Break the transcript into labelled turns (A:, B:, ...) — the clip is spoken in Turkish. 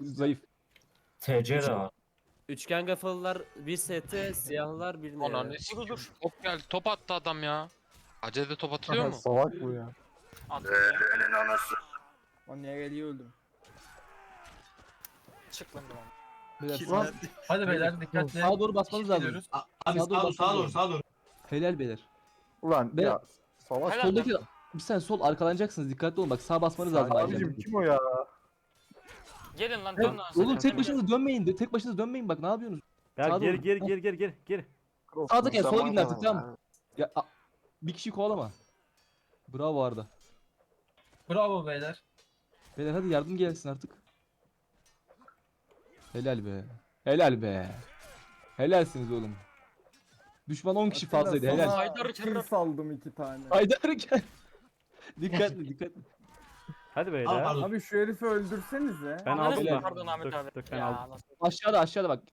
A: zayıf.
B: TC de var.
C: Üçgen kafalılar bir sete, siyahlar bir neye.
D: Ananı sikeyim. Top geldi. Top attı adam ya. Acele top atılıyor mu?
E: Salak bu ya.
F: Attı
G: O niye geliyor öldüm.
F: çık lan tamam.
A: Beyler,
B: Hadi beyler dikkatli.
A: sağa doğru basmanız lazım.
B: Gidiyoruz.
H: Abi
A: Sağa doğru
H: sağa doğru
A: basmanız
H: sağa doğru.
A: Helal beyler.
E: Ulan
A: Ben-
E: ya salak.
F: Helal.
A: Soldaki bir sen sol arkalanacaksınız, dikkatli olun, bak sağa basmanız lazım.
E: Abicim
A: ayrıca.
E: kim o ya?
F: Gelin lan
A: Evet,
F: dön lan.
A: oğlum tek başınıza dönmeyin de, tek başınıza dönmeyin, bak ne yapıyorsunuz?
I: Ya
A: Sağa
I: gir
A: doğru.
I: gir gir gir gir.
A: Sağda gel, sola gidin artık, tamam. Ya bir kişi kovalama. Bravo Arda.
B: Bravo beyler.
A: Beyler hadi yardım gelsin artık. Helal be. Helal be. Helalsiniz oğlum. Düşman 10 kişi fazlaydı, helal.
F: Haydar
G: Kill saldım 2 tane.
A: Haydar gel. Dikkatli.
I: Hadi
H: Al
I: beyler.
H: pardon.
G: Abi şu herifi öldürsenize.
I: Ben
F: Ananı
I: aldım
F: sikeyim,
I: da.
F: pardon Ahmet
I: Dur,
F: abi.
I: dur, ben
F: Ya,
I: aldım.
F: nasıl-
A: Aşağıda bak.